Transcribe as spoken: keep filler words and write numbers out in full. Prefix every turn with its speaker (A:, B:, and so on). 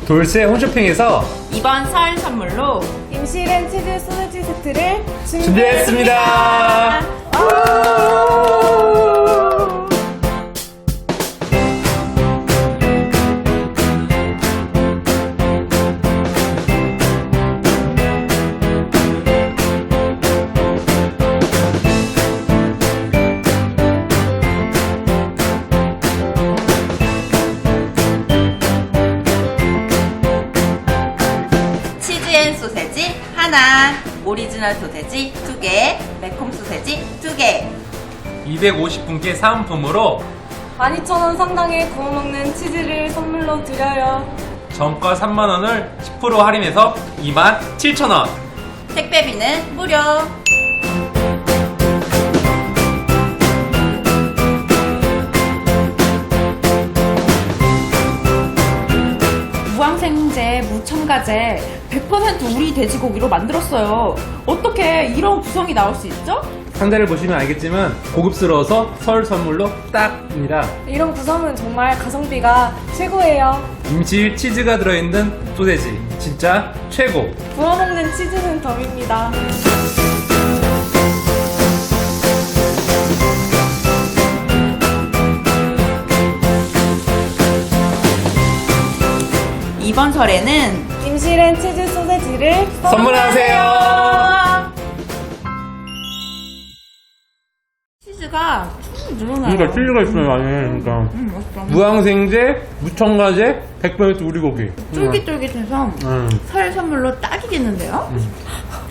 A: 돌쇠 홈쇼핑에서
B: 이번 설 선물로
C: 임실엔 치즈 소세지 세트를
A: 준비했습니다.
B: 치즈앤 소세지 하나, 오리지널 소세지 두 개, 매콤 소세지 두 개.
A: 이백오십 분께 사은품으로
C: 만 이천 원 상당의 구워 먹는 치즈를 선물로 드려요.
A: 정가 삼만 원을 십 퍼센트 할인해서 이만 칠천 원.
B: 택배비는 무료. 무항생제, 무첨가제, 백 퍼센트 우리 돼지고기로 만들었어요. 어떻게 이런 구성이 나올 수 있죠?
A: 상자를 보시면 알겠지만 고급스러워서 설 선물로 딱입니다.
C: 이런 구성은 정말 가성비가 최고예요.
A: 임실 치즈가 들어있는 소세지 진짜 최고.
C: 구워 먹는 치즈는 덤입니다.
B: 이번 설에는
C: 임실엔 치즈 소세지를
A: 선물하세요.
B: 치즈가 쭉 늘어나요.
A: 그러니까 치즈가 있어요 안에. 그러니까
B: 음, 맛있어.
A: 무항생제, 무첨가제, 백 퍼센트 우리 고기.
B: 쫄깃쫄깃해서
A: 음.
B: 설 선물로 딱이겠는데요?